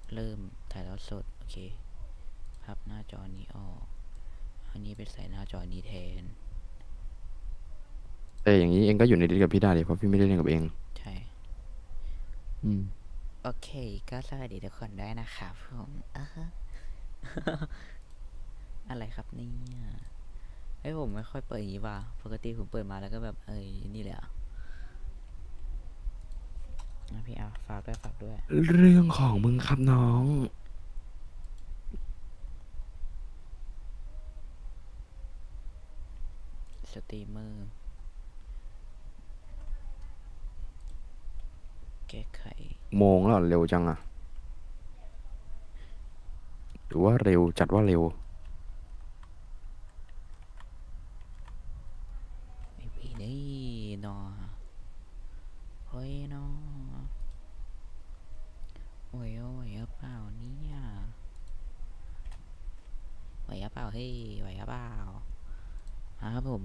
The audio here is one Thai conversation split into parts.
เริ่มถ่ายทอดสดโอเคพับหน้าจอนี้ออกอันนี้ไปใส่หน้าจอนี้แทนแต่อย่างนี้เองก็อยู่ในดิสกับพี่ได้เลยเพราะพี่ไม่ได้เล่นกับเองใช่อืมโอเคก็สวัสดีทุกคนด้วยนะครับผมอะไรครับเนี่ยไอ้ผมไม่ค่อยเปิดอย่างนี้ว่ะปกติผมเปิดมาแล้วก็แบบนี่แหละนะพี่เอาฝากด้วยเรื่องของมึงครับน้องสตรีมเมอร์แก้ไขโมงแล้วเหรอเร็วจังอะหรือว่าเร็วจัดว่าเร็วไอ้พี่นี่นอเฮ้ยนอโอ้ยโอ้ยเอาเปล่าเนี่ยไหวเปล่าเฮ้ยไหวเปล่าครับผม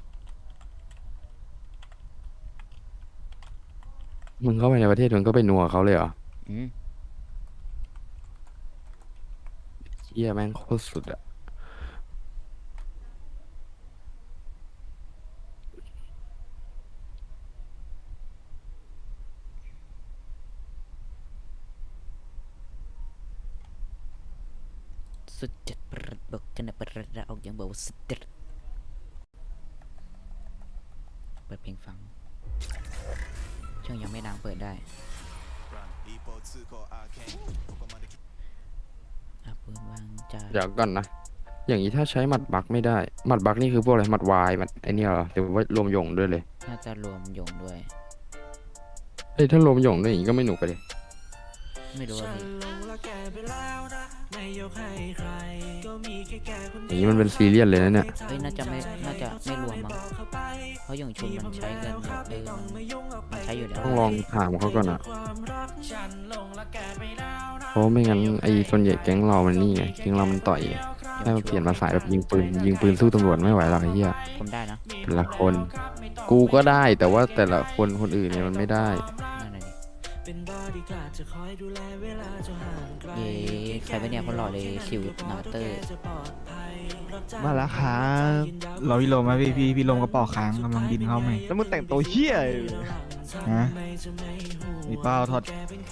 มึงเข้าไปในประเทศมึงก็ไปนัวเขาเลยเหรออืมเชี่ยแม่งโคตรสุดอะสุดจัดประบอกกันนะประดาออกยังบอกว่าสุดจัดเปิดเพลงฟังช่วงยังไม่ดังเปิดได้อาปืนวางจาเดี๋ยวก่อนนะอย่างนี้ถ้าใช้หมัดบักไม่ได้หมัดบักนี่คือพวกอะไรหมัดวายหมัดไอเนี่ยเหรอหรือว่ารวมหยงด้วยเลยน่าจะรวมหยงด้วยเอ้ยถ้ารวมหยงด้วยอย่างนี้ก็ไม่หนุกไปเลยไม่รู้ว่าพี่อย่างนี้มันเป็นซีเรียสเลยนะเนี่ยน่าจะไม่รวมมั้งเพราะหยงชุนมันใช้กันแบบมันใช้อยู่แล้วต้องลองถามเขาก่อนอะเพราะไม่งั้นไอ้ส่วนใหญ่แก๊งเรามันนี่ไงแก๊งเรามันต่อยหยให้มันเปงชุนลี่ยนมาสายแบบยิงปืนสู้ตำรวจไม่ไหวหรอกไอ้เหี้ยผมได้นะแต่ละคนกูก็ได้แต่ว่าแต่ละคนอื่นเนี่ยมันไม่ได้นั่นเลยเย้ใครเป็นเนี่ยคนหล่อเลยสิวนาเตอร์มาแล้วครับเราพี่ลมไหมพี่ลมกระเป๋าค้างกำลังบินเข้าไหมแล้วมึงแต่งตัวเฮี้ยอะไรอยู่ฮะมีเป้าทอด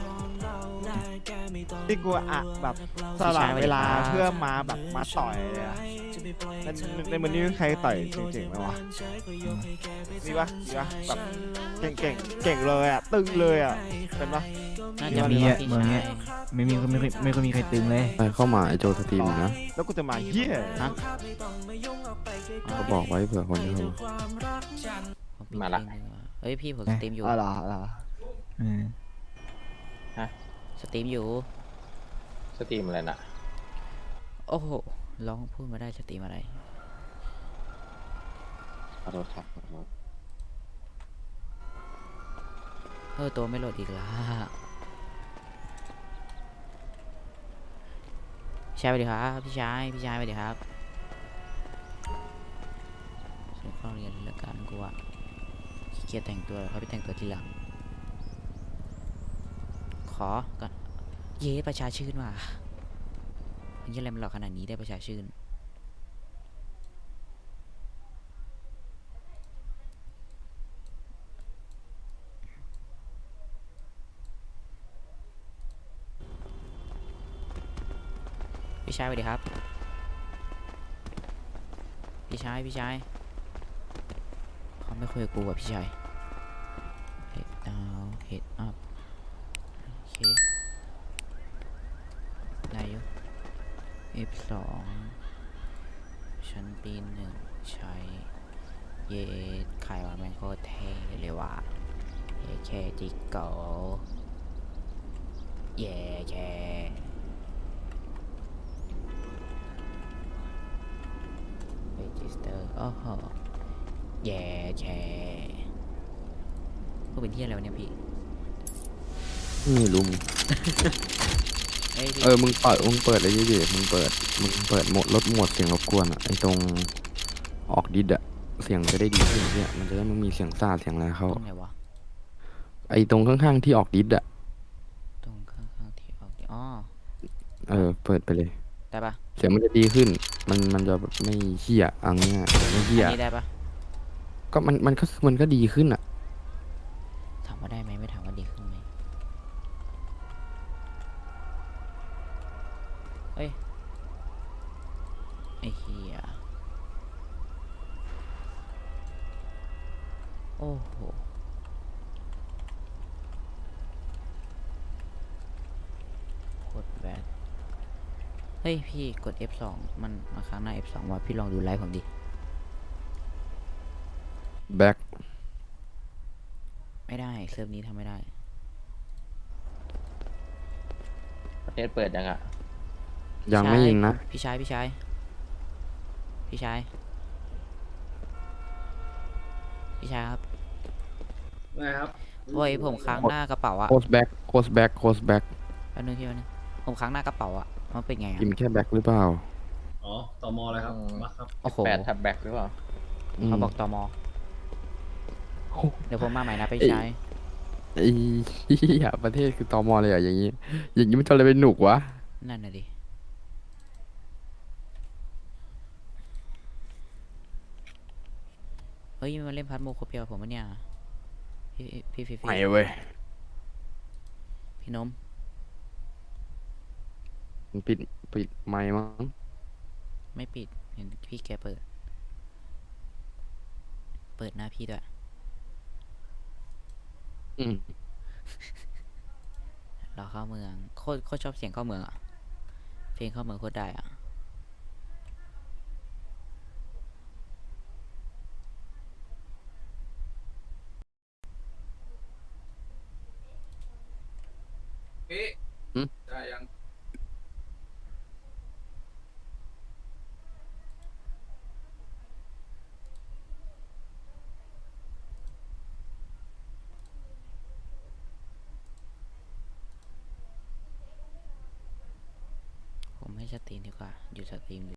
ที่กูอะแบบสละเวลาเพื่อมาแบบมาต่อยเลยอะในมือนี้มีใครต่อยเจ๋งๆไหมวะมีปะแบบเก่งเลยอะตึงเลยอะเป็นปะน่าไม่จะมีมีว่าพี่ชาเมืองเนี้ยยไม่ค่อยมีใครตึงเลยไปเข้ามาไอโจสตรีมอยู่นะแล้วกูจะมาเฮี้ยฮะก็บอกไว้เผื่อคนที่เขามาละเฮ้ยพี่ผมสตรีมอยู่อ๋อเหรอเออสตรีมอยู่สตรีมอะไรน่ะโอ้โหร้องพูดมาได้สตรีมอะไรขอโทษครับขอโทษตัวไม่โหลดอีกแล้วพี่ชายสวัสดีครับพี่ชายสวัสดีครับส่งเข้าเรียนแล้วกันกูอะขี้เกียจแต่งตัวเขาไปแต่งตัวทีหลังขอก่อนเย้ประชาชื่นว่ะมันยังอะไรมันหลอกขนาดนี้ได้ประชาชื่นพี่ชายสวัสดีครับพี่ชายเขาไม่คุยกับกูอ่ะพี่ชาย head down head up โอเคได้อยู่ F2 ชั้นปีหนึ่งใช้เยขายวันแมงโคตรเท่เลยว่ะเยแค่จิกโกเย่แค่เรจิสเตอร์โอ้โหเย่แค่พวกเป็นที่อะไรวะเนี่ยพี่ไม่รู้เฮ้ยพี่มึงเปิดเลยดิมึงเปิดโหมดลดโหมดเสียงรบกวนอะไอตรงออกดิสอะเสียงจะได้ดีขึ้นเนี่ยมันจะได้ไม่มีเสียงซ่าเสียงอะไรเข้าตรงไหนวะไอตรงข้างๆที่ออกดิสอะตรงข้างๆที่ออกอ๋อเปิดไปเลยได้ปะเสียงมันจะดีขึ้น มันจะแบบไม่เหี้ยเอังเงี้ยไม่เหี้ยอันนี้ได้ปะก็มันก็ดีขึ้นอ่ะถามว่าได้ไหมไม่ถามว่าดีขึ้นไหมเฮ้ยไอ้เหี้ยโอ้โหโคตรแบดเฮ้ยพี่กด F2 มันมาค้างหน้า F2 ว่ะพี่ลองดูไลฟ์ผมดิแบ็คไม่ได้เซิร์ฟนี้ทำไม่ได้ประเทศเปิดยังอ่ะยังไม่ยิงนะพี่ชายพี่ชายพี่ชายพี่ชายครับไม่ครับโอ้ยผมค้างหน้ากระเป๋าอะโคสแบ็คโคสแบ็คโคสแบ็คแป๊บนึงพี่แป๊บนึงผมค้างหน้ากระเป๋าอะมันเป็นไงอะพิมพ์แค่แบ็คหรือเปล่าอ๋อตมอะไรครับ มาครับโอ้โห 8 ทับแบ็คหรือเปล่าเขาบอกตมโอ้เดี๋ยวผมมาใหม่นะพี่ชายไอ้เหี้ยประเทศคือตมเลยอ่ะอย่างงี้ อย่างงี้มันจะอะไรเป็นหนุกวะนั่นน่ะดิเฮ้ยมันเล่นพัดโมโคเปียวผมปะเนี่ยพี่พี่ไม่เว้ยพี่นมมันปิดไมค์มั้งไม่ปิดเห็นพี่แกเปิดหน้าพี่ด้วยอืมเราเข้าเมืองโคตรชอบเสียงเข้าเมืองอะเพลงเข้าเมืองโคตรได้อะผมให้สตรีมดีกว่าอยู่สตรีม